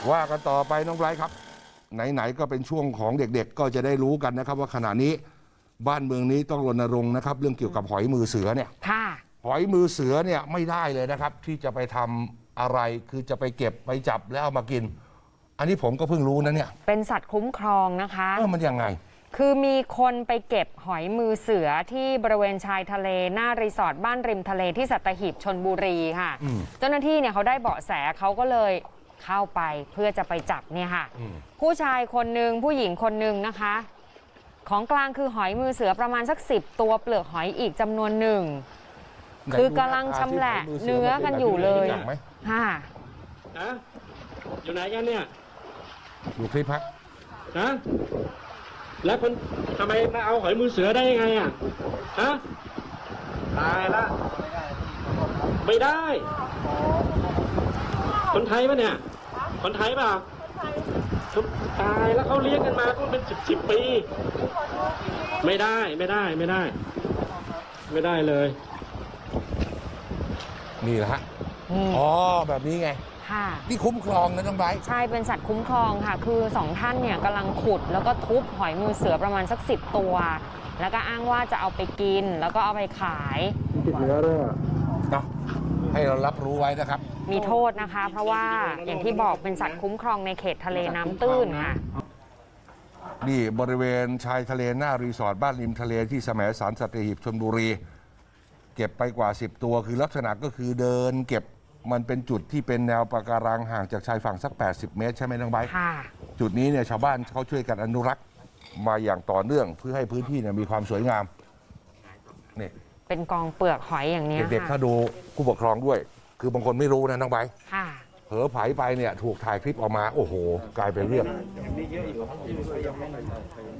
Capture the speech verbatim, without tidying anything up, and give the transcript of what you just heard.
ว่ากันต่อไปน้องไบรท์ครับไหนๆก็เป็นช่วงของเด็กๆก็จะได้รู้กันนะครับว่าขณะนี้บ้านเมืองนี้ต้องรณรงค์นะครับเรื่องเกี่ยวกับหอยมือเสือเนี่ยค่ะหอยมือเสือเนี่ยไม่ได้เลยนะครับที่จะไปทำอะไรคือจะไปเก็บไปจับแล้วเอามากินอันนี้ผมก็เพิ่งรู้นะเนี่ยเป็นสัตว์คุ้มครองนะคะเออมันยังไงคือมีคนไปเก็บหอยมือเสือที่บริเวณชายทะเลหน้ารีสอร์ทบ้านริมทะเลที่สัตหีบชลบุรีค่ะเจ้าหน้าที่เนี่ยเขาได้เบาะแสเขาก็เลยเข้าไปเพื่อจะไปจับเนี่ยค่ะผู้ชายคนหนึ่งผู้หญิงคนหนึ่งนะคะของกลางคือหอยมือเสือประมาณสักสิบตัวเปลือกหอยอีกจำนวนหนึ่งคือกำลังชำแหละเนื้อกันอยู่เลยค่ะนะอยู่ไหนกันเนี่ยอยู่คลิปฮะนะแล้วคนทำไมมาเอาหอยมือเสือได้ยังไงอ่ะฮะตายละไม่ได้คนไทยปะเนี่ยคนไทยป่ะตายแล้วเขาเลี้ยงกันมาก็เป็นสิบสิบปีไม่ได้ไม่ได้ไม่ได้ไม่ได้เลยนี่แหละฮะอ๋อแบบนี้ไงค่ะนี่คุ้มครองนะน้องไบรท์ใช่เป็นสัตว์คุ้มครองค่ะคือสองท่านเนี่ยกำลังขุดแล้วก็ทุบหอยมือเสือประมาณสักสิบตัวแล้วก็อ้างว่าจะเอาไปกินแล้วก็เอาไปขายติดเนื้อด้วยเนาะให้เรารับรู้ไว้นะครับมีโทษนะคะเพราะว่าอย่างที่บอกเป็นสัตว์คุ้มครองในเขตทะเลน้ำตื้นค่ะนี่บริเวณชายทะเลหน้ารีสอร์ทบ้านริมทะเลที่แสมสารสัตหีบชลบุรีเก็บไปกว่าสิบตัวคือลักษณะก็คือเดินเก็บมันเป็นจุดที่เป็นแนวปะการังห่างจากชายฝั่งสักแปดสิบเมตรใช่ไหมน้องไบร์ทจุดนี้เนี่ยชาวบ้านเขาช่วยกันอนุรักษ์มาอย่างต่อเนื่องเพื่อให้พื้นที่เนี่ยมีความสวยงามนี่เป็นกองเปลือกหอยอย่างนี้เด็กๆถ้าดูผู้ปกครองด้วยคือบางคนไม่รู้นะน้องไบร์ทเผลอไผไปเนี่ยถูกถ่ายคลิปออกมาโอ้โหกลายเป็นเรื่อง